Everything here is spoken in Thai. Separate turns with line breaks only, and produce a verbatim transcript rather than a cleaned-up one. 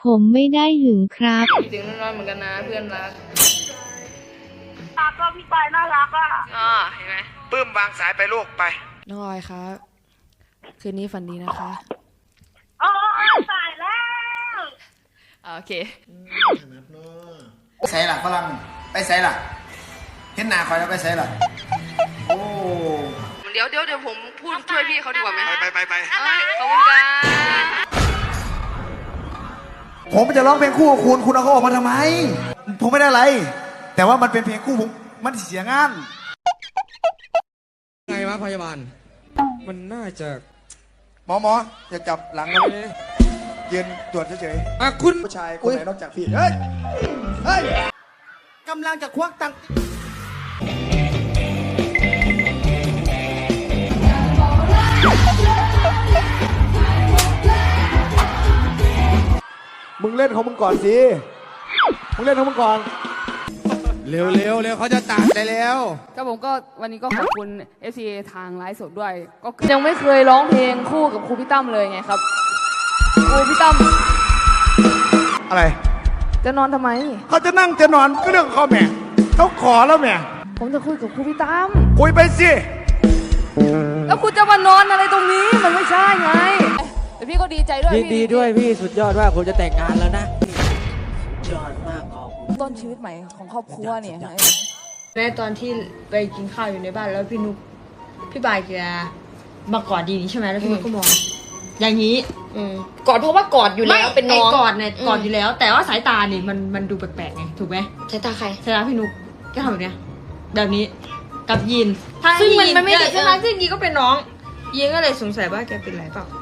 ผมไม่ได้หึงครับ
คิดถึงน้องๆเหมือนกันนะเพื่อนรัก
ตาก็พี่ปายน่ารักอ่ะ
อ๋อเห็นไหม
ปื้มวางสายไปลูกไป
น้องออยครับคืนนี้ฝันดีนะคะ
อ๋อตายแล้ว
โอเค
ไปใส่หลักฝรั่งไปใส่หลักเห็นหน้าคอยแล้วไปใส่หลักโอ้
เดี๋ยวเดี๋ยวเดี๋ยวผมพูดช่วยพี่เขาดีกว่าไหม
ไปไปไป
ขอบคุณครับ
ผมจะร้องเพลงคู่กับคุณคุณเอาเขาออกมาทำไมผมไม่ได้อะไรแต่ว่ามันเป็นเพลงคู่ผมมันเสียงาน
ไงวะพยาบาลมันน่าจะ
หมอหมออย่าจับหลังเรายืนตรวจเฉย
ๆอ่ะคุณ
ผู้ชายคนไหนนอกจากพี่เฮ้ยเฮ้ยกำลังจะควักตังค์มึงเล่นของมึงก่อนสิมึงเล่นของมึงก่อน
เร็วเร็วเร็วเขาจะตัดได้แล้ว
ก็ผมก็วันนี้ก็ขอบคุณ เอฟ ซี เอ ทางไลฟ์สดด้วยก็ยังไม่เคยร้องเพลงคู่กับครูพี่ตั้มเลยไงครับครูพี่ตั้ม
อะไร
จะนอนทำไม
เขาจะนั่งจะนอนก็เรื่องเขาแม่เขาขอแล้วแม่
ผมจะคุยกับครูพี่ตั้ม
คุยไปสิ
แล้วคุณจะมานอนอะไรตรงนี้มันไม่ใช่ไงแต่พี่ก็ดีใจด้วย
ยินดีด้วยพี่สุดยอดว่าผมจะแต่งงานแล้วนะยอดมากขอบคุณ
ต้นชีวิตใหม่ของครอบครัวเนี่ย
ในตอนที่ไปกินข้าวอยู่ในบ้านแล้วพี่นุ๊กพี่บายแกมากอดดีนี้ใช่ไหมแล้วพี่นุ๊กก็มองอย่างนี้
กอดเพราะว่ากอดอยู่แล้วเป็นน้อง
กอดเนี่ยกอดอยู่แล้วแต่ว่าสายตานี่มันมันดูแปลกๆไงถูกไหม
สายตาใคร
สายตาพี่นุ๊กก็ทำแบบเนี้ยแบบนี้กับยิน
ซึ่งมันมันไม่ได้
ใช่ไหมซึ่งยีก็เป็นน้องยีนก็เลยสงสัยว่าแกเป็นไรเปล่า